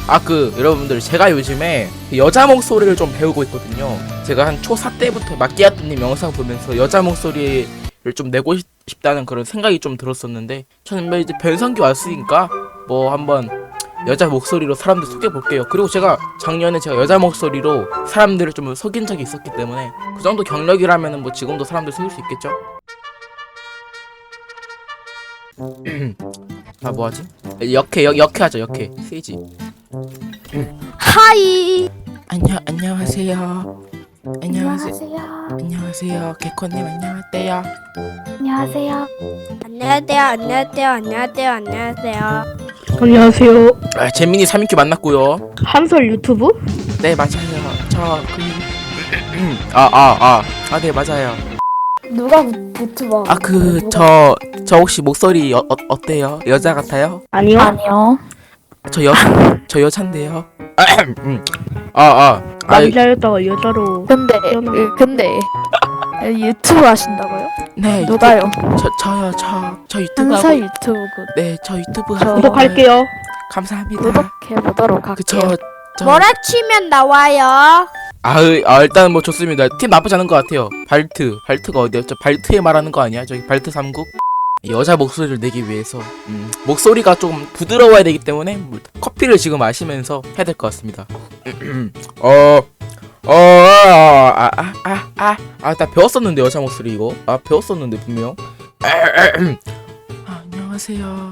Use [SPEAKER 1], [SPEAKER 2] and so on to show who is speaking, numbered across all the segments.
[SPEAKER 1] 여러분들 제가 요즘에 여자 목소리를 좀 배우고 있거든요. 제가 한 초4 때부터 마끼아또님 영상 보면서 여자 목소리를 좀 내고 싶다는 그런 생각이 좀 들었었는데, 저는 뭐 이제 변성기 왔으니까 뭐 한번 여자 목소리로 사람들 속여볼게요. 그리고 제가 작년에 제가 여자 목소리로 사람들을 좀 속인 적이 있었기 때문에 그 정도 경력이라면은 뭐 지금도 사람들 속일 수 있겠죠? 아 뭐하지? 역해하자 역해. 세이지.
[SPEAKER 2] 하이.
[SPEAKER 1] 안녕하세요. 안녕하세요. 개코님 안녕하세요.
[SPEAKER 2] 안녕하세요.
[SPEAKER 1] 재민이 3인큐 만났고요.
[SPEAKER 3] 한솔 유튜브?
[SPEAKER 1] 네 맞아요. 네 맞아요.
[SPEAKER 2] 누가 유튜버?
[SPEAKER 1] 저 혹시 목소리 어때요? 여자 같아요?
[SPEAKER 3] 아니요.
[SPEAKER 2] 아니요.
[SPEAKER 1] 저 여잔데요.
[SPEAKER 3] 남자였다가 여자로.
[SPEAKER 2] 근데 유튜브 하신다고요?
[SPEAKER 1] 네.
[SPEAKER 2] 누가요?
[SPEAKER 1] 저 유튜브
[SPEAKER 2] 한서
[SPEAKER 1] 하고.
[SPEAKER 2] 유튜브
[SPEAKER 1] 네, 저 유튜브
[SPEAKER 2] 저
[SPEAKER 1] 하고.
[SPEAKER 3] 구독할게요.
[SPEAKER 1] 감사합니다.
[SPEAKER 2] 구독해보도록 할게요.
[SPEAKER 4] 뭐라 치면 나와요?
[SPEAKER 1] 일단 뭐 좋습니다. 팀 나쁘지 않은 것 같아요. 발트가 어디였죠? 발트에 말하는 거 아니야? 저기 발트 3국? 여자 목소리를 내기 위해서 목소리가 좀 부드러워야 되기 때문에 커피를 지금 마시면서 해야 될 것 같습니다. 나 배웠었는데 여자 목소리 이거. 배웠었는데 분명. 안녕하세요.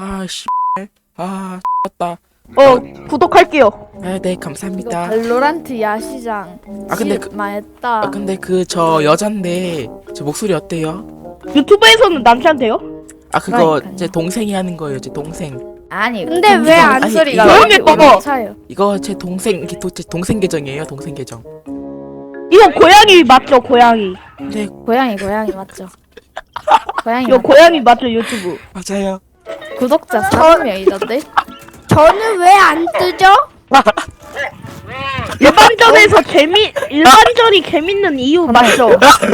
[SPEAKER 1] 다
[SPEAKER 3] 구독할게요.
[SPEAKER 1] 네 감사합니다.
[SPEAKER 2] 발로란트 야시장.
[SPEAKER 1] 근데
[SPEAKER 2] 망했다.
[SPEAKER 1] 근데 저 여잔데 저 목소리 어때요?
[SPEAKER 3] 유튜브에서는 남자인데요?
[SPEAKER 1] 그거
[SPEAKER 2] 그러니까요.
[SPEAKER 1] 제 동생이 하는 거예요. 제 동생.
[SPEAKER 2] 아니
[SPEAKER 4] 근데 왜 안
[SPEAKER 2] 소리가
[SPEAKER 3] 조용히 꺼봐.
[SPEAKER 2] 차요?
[SPEAKER 1] 이거 제 동생 계정이에요. 동생 계정.
[SPEAKER 3] 이거 고양이 맞죠? 고양이.
[SPEAKER 1] 네
[SPEAKER 2] 고양이 맞죠? 고양이
[SPEAKER 3] 이거 고양이 맞죠? 유튜브.
[SPEAKER 1] 맞아요.
[SPEAKER 2] 구독자 4명이던데?
[SPEAKER 4] 저는 왜 안 뜨죠?
[SPEAKER 3] 일반전이 재밌는 이유 맞죠?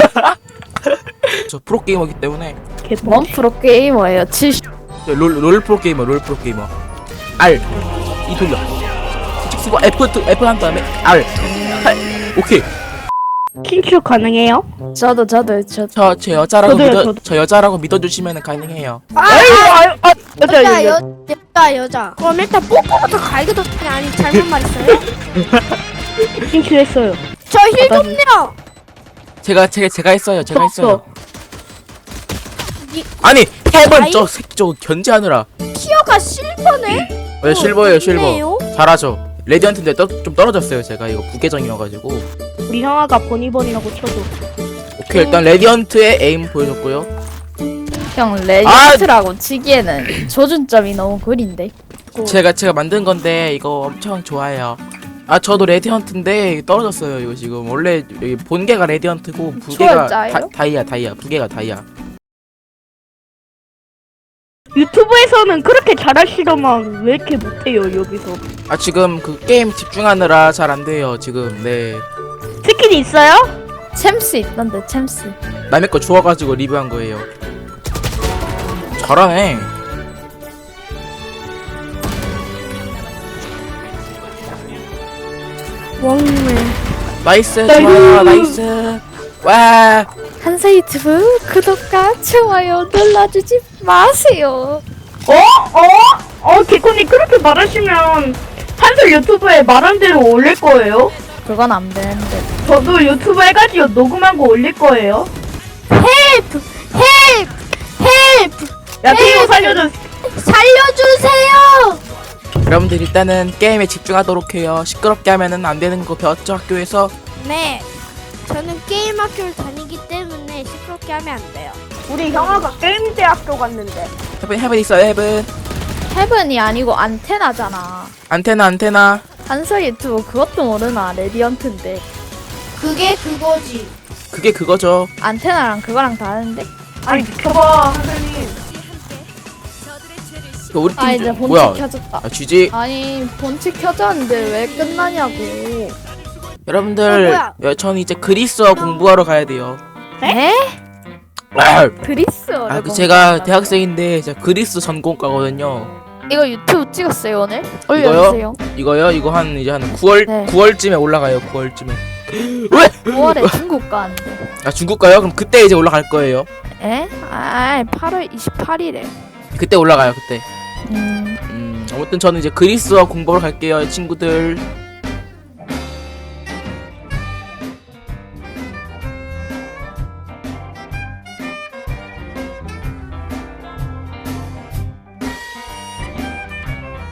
[SPEAKER 1] 저 프로 게이머기 때문에
[SPEAKER 2] 뭔 프로게이머예요? 70.
[SPEAKER 1] 롤 프로 게이머. R 이 돌려. 직접 쓰고 F 한 다음에 R. 오케이.
[SPEAKER 3] 킨큐 가능해요?
[SPEAKER 2] 저도
[SPEAKER 1] 제 여자라고
[SPEAKER 3] 저도요.
[SPEAKER 1] 저 여자라고 믿어주시면 가능해요.
[SPEAKER 3] 여자.
[SPEAKER 4] 그럼 일단 뽀뽀부터 갈기도 아니 잘못 말했어요?
[SPEAKER 3] 킨큐 했어요.
[SPEAKER 4] 저 힐 좀요.
[SPEAKER 1] 제가 했어요. 제가 했어요.
[SPEAKER 4] 이-
[SPEAKER 1] 아니 헤븐
[SPEAKER 4] 아이?
[SPEAKER 1] 저 새끼 저 견제하느라.
[SPEAKER 4] 티어가 실버네?
[SPEAKER 1] 네 실버예요 실버.
[SPEAKER 4] 좋네요.
[SPEAKER 1] 잘하죠. 레디언트인데 좀 떨어졌어요. 제가 이거 부계정이어가지고.
[SPEAKER 3] 우리 형아가 버니버니라고 쳐줘.
[SPEAKER 1] 오케이 일단 레디언트의 에임 보여줬고요.
[SPEAKER 2] 형 레전드라고 치기에는 조준점이 너무 구린데.
[SPEAKER 1] 제가 만든 건데 이거 엄청 좋아해요. 저도 레디언트인데 떨어졌어요. 이거 지금 원래 여기 본계가 레디언트고 부계가
[SPEAKER 2] 초월자예요?
[SPEAKER 1] 다이아 부계가 다이아.
[SPEAKER 3] 유튜브에서는 그렇게 잘하시더만 왜 이렇게 못해요 여기서?
[SPEAKER 1] 지금 그 게임 집중하느라 잘 안 돼요 지금. 네
[SPEAKER 3] 스킨 있어요?
[SPEAKER 2] 챔스 있던데 챔스.
[SPEAKER 1] 남의 거 주워가지고 리뷰한 거예요. 잘하네.
[SPEAKER 4] 왕매.
[SPEAKER 1] 나이스 좋아요 나이스. 와
[SPEAKER 2] 한서 유튜브 구독과 좋아요 눌러주지 마세요.
[SPEAKER 3] 개콘이 그렇게 말하시면 한솔 유튜브에 말한 대로 올릴 거예요?
[SPEAKER 2] 그건 안 되는데.
[SPEAKER 3] 저도 유튜브 해가지고 녹음한 거 올릴 거예요.
[SPEAKER 4] 헬프!
[SPEAKER 3] 야, 티오 살려줘.
[SPEAKER 4] 살려주세요!
[SPEAKER 1] 여러분들 일단은 게임에 집중하도록 해요. 시끄럽게 하면은 안 되는 거 배웠죠 학교에서?
[SPEAKER 4] 네. 저는 게임 학교를 다니기 때문에 시끄럽게 하면 안 돼요.
[SPEAKER 3] 우리 형아가 게임 대학교 갔는데.
[SPEAKER 1] 헤븐 있어요 헤븐.
[SPEAKER 2] 헤븐이 아니고 안테나잖아.
[SPEAKER 1] 안테나.
[SPEAKER 2] 한서 유튜브 그것도 모르나? 레디언트인데.
[SPEAKER 4] 그게 그거지.
[SPEAKER 1] 그게 그거죠.
[SPEAKER 2] 안테나랑 그거랑 다른데?
[SPEAKER 3] 아니, 비켜봐, 선생님.
[SPEAKER 1] 우리 팀
[SPEAKER 2] 이제 본체
[SPEAKER 1] 뭐야?
[SPEAKER 2] 켜졌다.
[SPEAKER 1] GG.
[SPEAKER 2] 아니 본체 켜졌는데 왜 끝나냐고.
[SPEAKER 1] 여러분들 저는 이제 그리스어 공부하러 가야 돼요.
[SPEAKER 2] 에?
[SPEAKER 1] 아,
[SPEAKER 2] 그리스어를
[SPEAKER 1] 제가 대학생인데 제가 그리스 전공과거든요.
[SPEAKER 2] 이거 유튜브 찍었어요 오늘? 올려주세요.
[SPEAKER 1] 이거요? 이거 한 이제 한 9월
[SPEAKER 2] 네.
[SPEAKER 1] 9월쯤에 올라가요. 9월쯤에.
[SPEAKER 2] 9월에 중국 가는데.
[SPEAKER 1] 아 중국 가요? 그럼 그때 이제 올라갈 거예요.
[SPEAKER 2] 에? 아 8월 28일에.
[SPEAKER 1] 그때 올라가요. 그때. 아무튼 저는 이제 그리스어 공부하러 갈게요, 친구들.